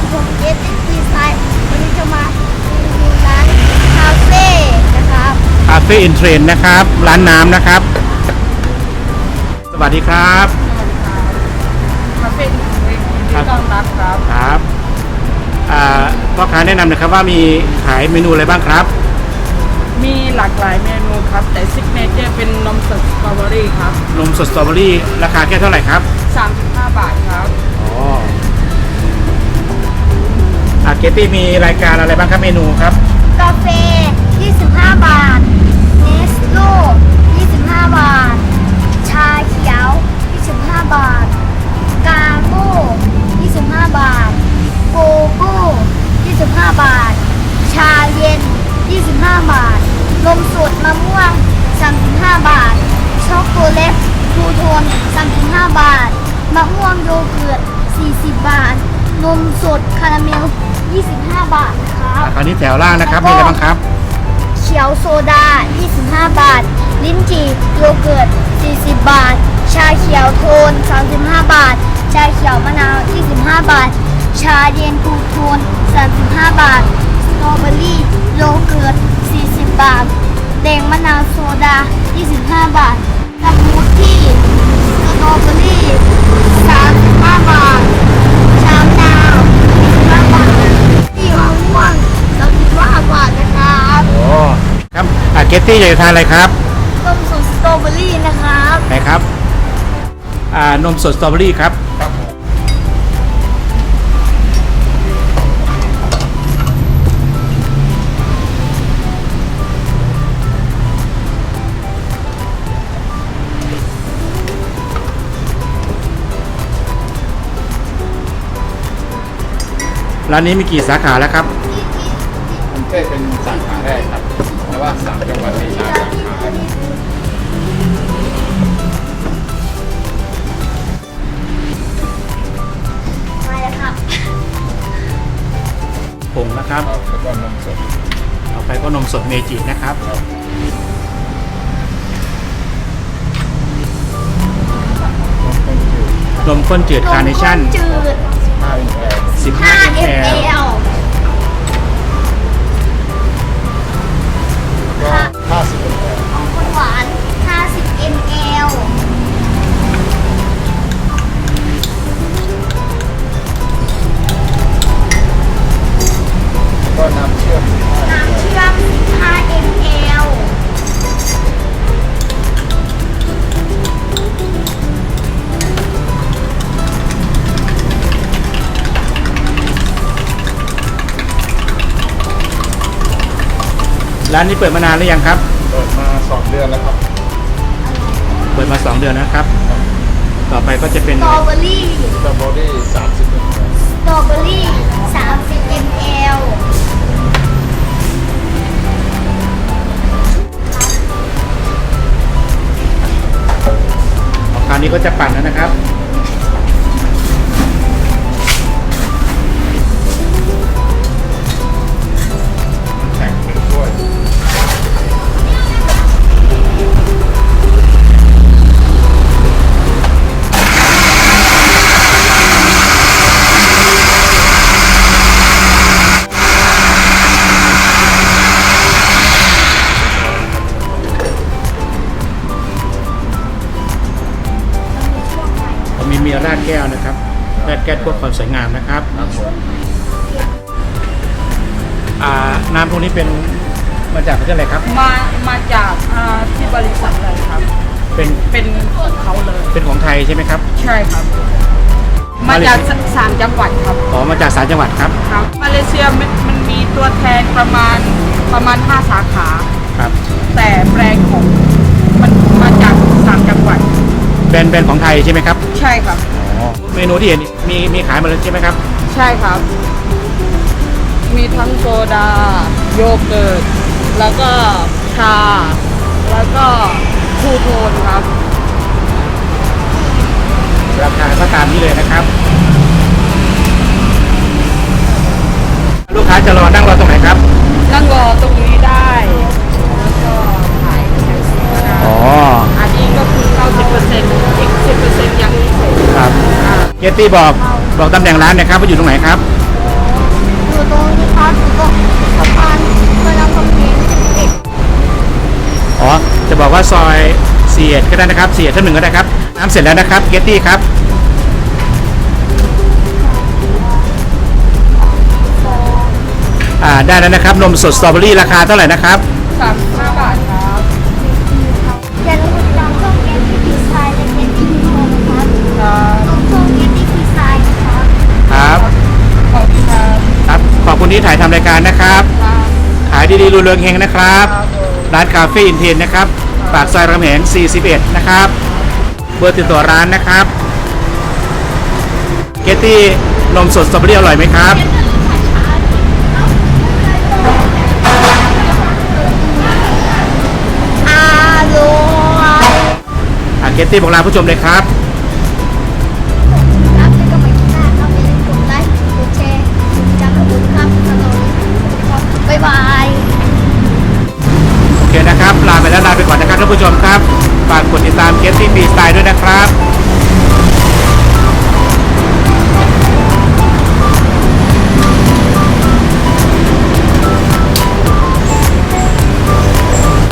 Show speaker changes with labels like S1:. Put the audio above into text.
S1: ผมเกตดีไซน์วันนี้จะมาดูร้านคาเฟ่นะครับ
S2: คาเฟ่อินเทรนนะครับร้านน้ำนะครับสวัสดีครับ
S3: คาเฟ่อินเทรนยินดีต้อนรับครับ
S2: ครับพ่อค้าแนะนำหนะครับว่ามีขายเมนูอะไรบ้างครับ
S3: มีหลากหลายเมนูครับแต่ซิกเนเจอร์เป็นนมสดสตรอเบอรี่ครับ
S2: นมสดสตรอเบอรี่ราคาแค่เท่าไหร่ครับ
S3: 35 บาทครับ
S2: อ๋อเกตตี้มีรายการอะไรบ้างครับเมนูครับ
S1: กาแฟ25 บาทเนสโล่25 บาทชาเขียว25 บาทกาโก้25 บาทโกโก้25 บาทชาเย็น25 บาทนมสดมะม่วง35 บาทช็อกโกแลตทูโทน35 บาทมะม่วงโยเกิร์ต40 บาทนมสดคาราเมล25 บาทครับ
S2: คราวนี้แถวล่างนะครับมีอะไรบ้างครับ
S1: เขียวโซดา25 บาทลิ้นจี่โยเกิร์ต40 บาทชาเขียวโทน35 บาทชาเขียวมะนาว25 บาทชาเย็นทูโทน35 บาทสตรอเบอรี่โยเกิร์ต40 บาทแดงมะนาวโซดา25 บาทสมูทตี้สตรอเบอรี่35 บาทชามะนาว25 บาทที่มะม่วง35 บาทนะครับ
S2: โอ้ครับเกตตี้อยากจะทานอะไรครับ
S1: นมสดสตรอเบอรี่นะครับ
S2: ไหนครับนมสดสตรอเบอรี่ครับร้านนี้มีกี่สาขาแล้วครับ
S4: กรุงเทพเป็นสาขาแรกครับเพราะว่า3 จังหวัดมีสาขา
S1: มาแล้วครับ
S2: ผงนะครับ
S4: แล้วก็นมสด
S2: ต่อไปก็นมสดเมจินะครับนมข้นจืดคาร์เนชั่น
S1: 5 ml
S4: 50 ml
S1: ของคนหวาน50 ml
S4: ก็น้ำเชื่อม
S1: 15 ml
S2: ร้านนี้เปิดมานานหรือยังครับ
S4: เปิดมา2 เดือนแล้วครับ
S2: เปิดมา2 เดือนนะครับต่อไปก็จะเป็น
S1: สตรอเบอรี่
S4: สตรอเบอรี่30 ml
S1: สตรอเบอรี่30 ml
S2: คราวนี้ก็จะปั่นแล้วนะครับ
S4: แข่งเป็นถ้วย
S2: มีราดแก้วนะครับราดแก้วเพื่อความสวยงามนะครับน้ำพวกนี้เป็นมาจากประเทศอะไรครับ
S3: มาจากที่บริษัทเลยครับเป็นของเขาเลย
S2: เป็นของไทยใช่ไหมครับ
S3: ใช่ครับมาจาก3 จังหวัดครับ
S2: อ๋อมาจาก3 จังหวัดครับ
S3: ครับมาเลเซียมันมีตัวแทนประมาณ5 สาขา
S2: ครับ
S3: แต่แบรนด์ของมันมาจาก3 จังหวัด
S2: แบรนด์ของไทยใช่ไหมครับ
S3: ใช่ครับ
S2: เมนูที่เห็นมีขายหมดเลยใช่ไหมครับ
S3: ใช่ครับมีทั้งโซดาโยเกิร์ตแล้วก็ชาแล้วก็ทูโทนครับ
S2: ราคาก็ตามนี้เลยนะครับลูกค้าจะนั่งรอตรงไหนครับ
S3: นั่งรอตรงนี้ได้แล้วก็ถ่ายแคปก็ได้อันนี้ก็คือ90%อีก10%ยังพิเศษ
S2: ครับเกตตี้บอกตำแหน่งร้านนะครับว่าอยู่ตรงไหนครับ
S1: อยู่ตรงนี้ครับอยู่ตรงสะพานพระรามคำแหง11
S2: อ๋อ จะบอกว่าซอย41ก็ได้นะครับ41ทับ1ก็ได้ครับ น้ำเสร็จแล้วนะครับเกตตี้ครับ ได้แล้วนะครับ นมสดสตรอเบอรี่ราคาเท่าไหร่นะครับ
S3: 35 บาทครับ
S1: อย่าลืมติดตามช่องเกมที่ดีไซน์และเกมที่ดีโฮนะครับ
S3: ครับ
S1: ตรงช่องเกมที่ดีไซน์นะครับ
S2: ครับ
S3: ขอบคุณครับ
S2: ครับ ขอบคุณที่ถ่ายทำรายการนะครับ
S3: ครับ
S2: ขายดีๆรุ่งเรืองเฮงนะครับ
S3: ครับผม
S2: ร้านคาเฟ่อินเทนนะครับ ปากซอยรามคำแหง41นะครับ เบอร์ติดต่อร้านนะครับ เกตตี้นมสดสตรอเบอรี่อร่อยไหมครับ
S1: อร่อย
S2: เกตตี้บอกลาผู้ชมเลยครับ
S1: ครับแล้วก็ไปที่หน้าครับอย่าลืมกดไลค์กดแชร์กดติดตามผมครับตลอดครับบ๊ายบาย
S2: โอเคนะครับ ลาไปแล้วลาไปก่อนนะครับท่านผู้ชมครับ ฝากกดติดตามเกตตี้ฟรีสไตล์ด้วย